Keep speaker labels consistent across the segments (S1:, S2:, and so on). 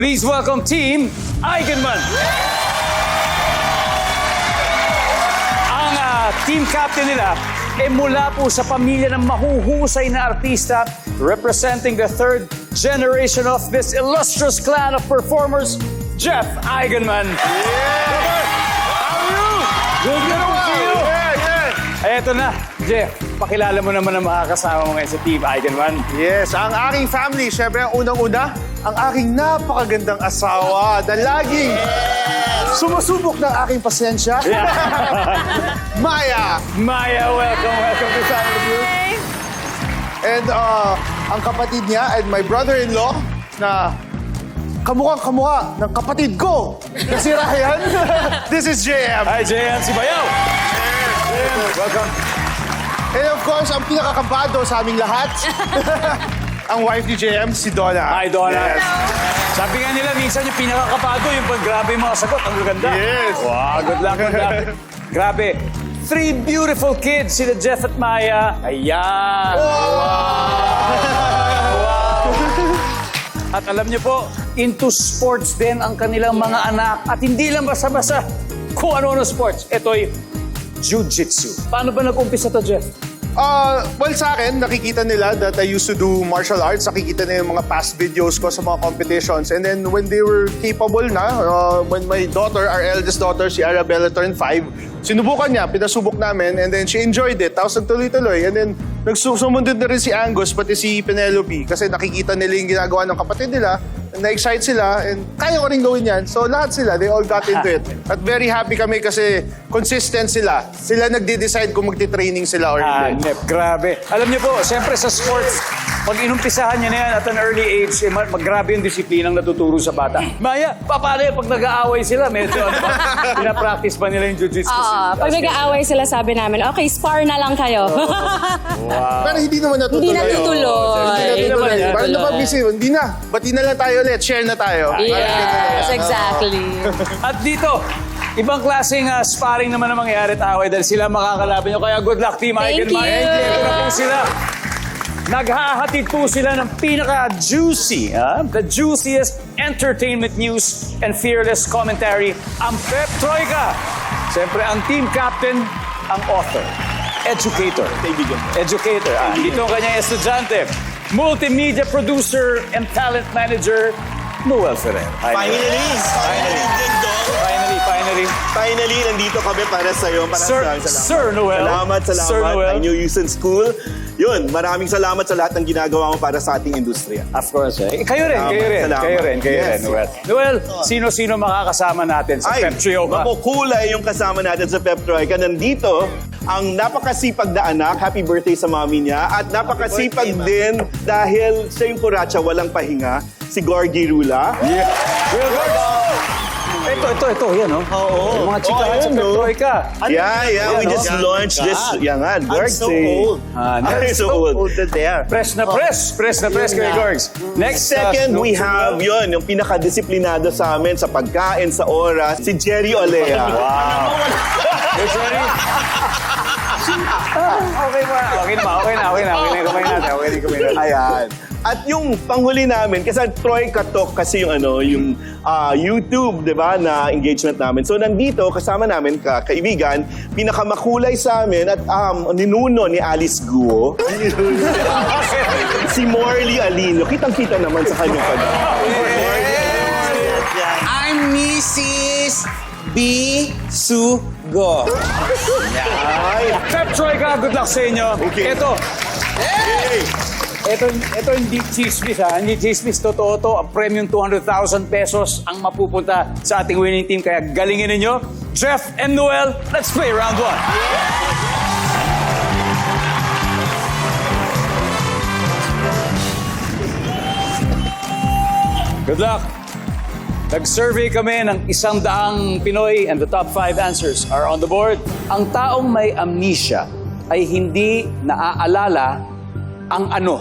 S1: Please welcome Team Eigenman. Ang team captain nila ay mula po sa pamilya ng mahuhusay na artista representing the third generation of this illustrious clan of performers, Jeff Eigenman.
S2: Yeah! How are you?
S1: Good to see you. Ay, eto na, Jeff. Pakilala mo naman ang makakasama mo ngayon sa Team Eigenman.
S2: Yes, ang aking family, syempre ang unang-una, ang aking napakagandang asawa na laging sumusubok ng aking pasensya. Maya!
S1: Maya, welcome to Family View.
S2: And ang kapatid niya and my brother-in-law na kamukhang-kamukha ng kapatid ko na si Ryan. This is JM.
S1: Hi, JM, si Bayaw. Welcome.
S2: And of course, ang pinakakabado sa aming lahat, ang wife ni JM, si Donna.
S1: Hi, Donna.
S2: Yes.
S1: Sabi nga nila, minsan yung pinakakapado, yung pag grabe yung mga sagot, ang ganda.
S2: Yes.
S1: Wow, good luck. Grabe. 3 beautiful kids, sila Jeff at Maya. Ayan. At alam niyo po, into sports din ang kanilang mga anak. At hindi lang basta-basta kung ano sports. Ito'y jiu-jitsu. Paano ba nag-umpisa to, Jeff?
S2: Well, sa akin, nakikita nila that I used to do martial arts. Nakikita nila yung mga past videos ko sa mga competitions. And then when they were capable na, when my daughter, our eldest daughter, si Arabella, turned 5, sinubukan niya, pinasubok namin, and then she enjoyed it. Tapos nagtuloy-tuloy. And then sumunod na rin si Angus, pati si Penelope. Kasi nakikita nila yung ginagawa ng kapatid nila. Na-excite sila, and kaya ko rin gawin yan. So lahat sila, they all got into it. At very happy kami kasi consistent sila. Sila nagde-decide kung magti-training sila or hindi.
S1: Grabe. Alam niyo po, siyempre sa sports, pag inumpisahan niya na yan at an early age, maggrabe yung disiplinang natuturo sa bata. Maya, paano yun pag nag-aaway sila? Medyo, pinapractice ba nila yung jiu-jitsu?
S3: Pag nag-aaway sila, sabi namin, okay, spar na lang kayo.
S1: Wow.
S2: Pero hindi naman natutuloy.
S3: Hindi natutuloy.
S1: Hindi naman yan.
S2: Parang napabisi, hindi na. Bati na lang tayo ulit, share na tayo.
S3: Yes, exactly.
S1: At dito, ibang klaseng sparring naman ang mangyayari at away dahil sila makakalaban nyo. Kaya good luck, Team
S3: Thank
S1: Eigenman.
S3: you.
S1: Ito na po sila. Naghahatid po sila ng pinaka-juicy, the juiciest entertainment news and fearless commentary, ang Pep Troika. Siyempre, ang team captain, ang author, educator. Educator. Dito ang kanyang estudyante, multimedia producer and talent manager, Noel Ferrer. Hi, Noel.
S4: Finally, nandito kami para sa iyo.
S1: Sir Noel.
S4: Salamat.
S1: Sir Noel.
S4: I knew you since school. Yun, maraming salamat sa lahat ng ginagawa mo para sa ating industriya.
S1: Of course, eh. Kayo rin,
S4: Yes.
S1: Noel. Noel, sino-sino makakasama natin sa Pep Troika?
S4: Makukulay yung kasama natin sa Pep Troika. Nandito, ang napakasipag na anak, happy birthday sa mami niya, at napakasipag din dahil siya yung kuratsa, walang pahinga, si Gorgie Rula.
S1: Yeah. Ito, yan, oh.
S4: Oo.
S1: Yung mga chikahan sa Pep Troika.
S4: Yeah, we just launched this. Yan nga, Gorgs.
S5: so old.
S4: I'm so old.
S5: there.
S1: Press na press kay Gorgs. Next,
S4: Second, we have yung pinaka-disiplinado sa amin sa pagkain, sa oras, si Jerry Olea.
S1: Wow. Hey, sorry. Okay na. Kumain natin.
S4: Ayan. At yung panghuli namin, kasi Troika Talk kasi yung YouTube, di ba, na engagement namin. So nandito, kasama namin, kaibigan, pinakamakulay sa amin at ninuno ni Alice Guo. Si Morley Alino. Kitang-kita naman sa kanyang
S5: I'm Mrs. B. Sugo.
S1: Pep Troika, good luck sa inyo.
S4: Okay.
S1: Ito hindi chismis, ha? Hindi chismis. Totoo to. Ang premium 200,000 pesos ang mapupunta sa ating winning team. Kaya galingin ninyo. Jeff and Noel, let's play round 1. Good luck. Nag-survey kami ng 100 Pinoy and the top 5 answers are on the board. Ang taong may amnesia ay hindi naaalala ang ano?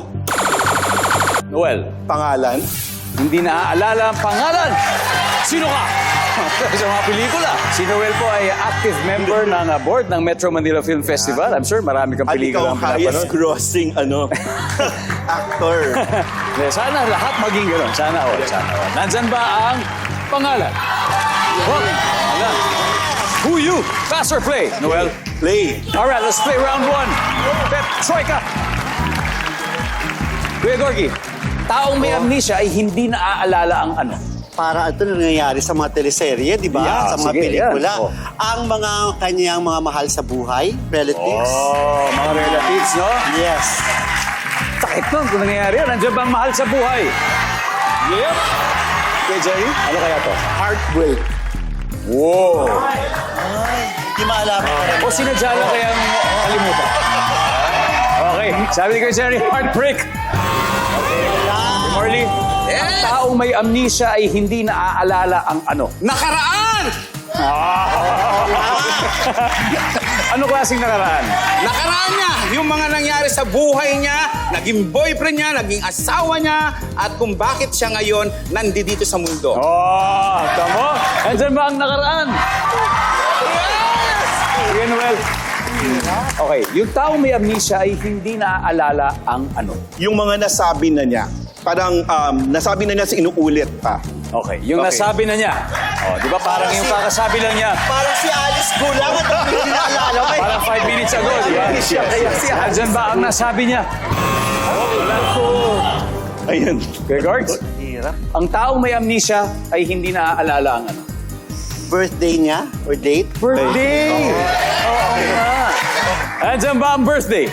S1: Noel.
S4: pangalan.
S1: Hindi naaalala ang pangalan. Sino ka? sa mga pelikula. Si Noel po ay active member ng board ng Metro Manila Film Festival. I'm sure marami kang
S4: At
S1: pelikula
S4: ikaw
S1: ang
S4: highest
S1: pinapanood.
S4: grossing actor.
S1: Sana lahat maging gano'n. Sana all. Nandyan ba ang pangalan? Ayan. Who you? Pass or play? Noel?
S4: Play.
S1: Alright, let's play round 1. Pep Troika. Kuya Gorgie, taong may amnesia ay hindi naaalala ang ano.
S6: Para ito nangyayari sa mga teleserye, di ba?
S1: Yeah,
S6: sa mga
S1: sige,
S6: pelikula.
S1: yan. Oh.
S6: Ang mga kanyang mga mahal sa buhay, relatives.
S1: Oh, mga relatives, no?
S6: Yes.
S1: Sakit nun kung nangyayari yan. Nandiyan ba ang mahal sa buhay? Yep. Kuya Jerry, ano kaya to?
S6: Heartbreak.
S1: Wow.
S6: Di maalaman.
S1: O sinadya lang kaya kalimutan? Okay, sabi ni Kuya Jerry, heartbreak. Marley, ang taong may amnesia ay hindi naaalala ang ano.
S5: Nakaraan!
S1: Ano klaseng nakaraan?
S5: Nakaraan niya! Yung mga nangyari sa buhay niya, naging boyfriend niya, naging asawa niya, at kung bakit siya ngayon nandito sa mundo.
S1: Oh, tamo. Andyan ba ang nakaraan? Sige, Noel. Okay, yung taong may amnesia ay hindi naaalala ang ano.
S4: Yung mga nasabi na niya. Parang nasabi na niya sa inuulit pa.
S1: Okay, yung
S4: Okay.
S1: nasabi na niya. Oh, di ba parang yung kakasabi lang niya.
S6: Parang si Alice Gulang at ang hindi naalala ko.
S1: Parang 5 minutes ago, di ba? Andyan ba ang nasabi niya?
S4: Ayun.
S1: Okay, guards?
S6: Hirap.
S1: Ang taong may amnesia ay hindi naaalala ang ano.
S6: Birthday niya or date.
S1: Birthday! Oo nga. Andyan ba ang birthday?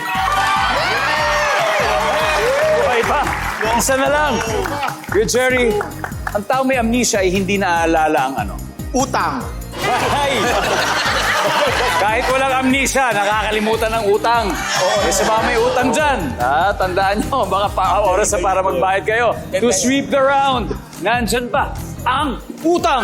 S1: Okay pa. Isa na lang. Good, Jerry. Ang taong may amnesia ay hindi naaalala ang ano.
S6: Utang.
S1: Ay! Kahit walang amnesia, nakakalimutan ng utang. Eh, sa mga may utang dyan, tandaan nyo, baka oras na para magbayad kayo. To sweep the round, nandyan ba ang utang?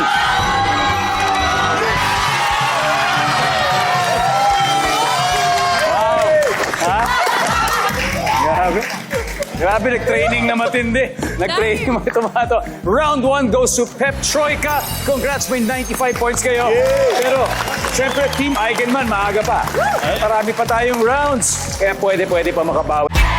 S1: Wow! Ha? Grabe. Grabe, nag-training na matindi. Nag-training mga tomato. Round 1 goes to Pep Troika. Congrats, may 95 points kayo. Pero, syempre, Team Eigenman, maaga pa. Marami pa tayong rounds. Kaya pwede pa makabawi.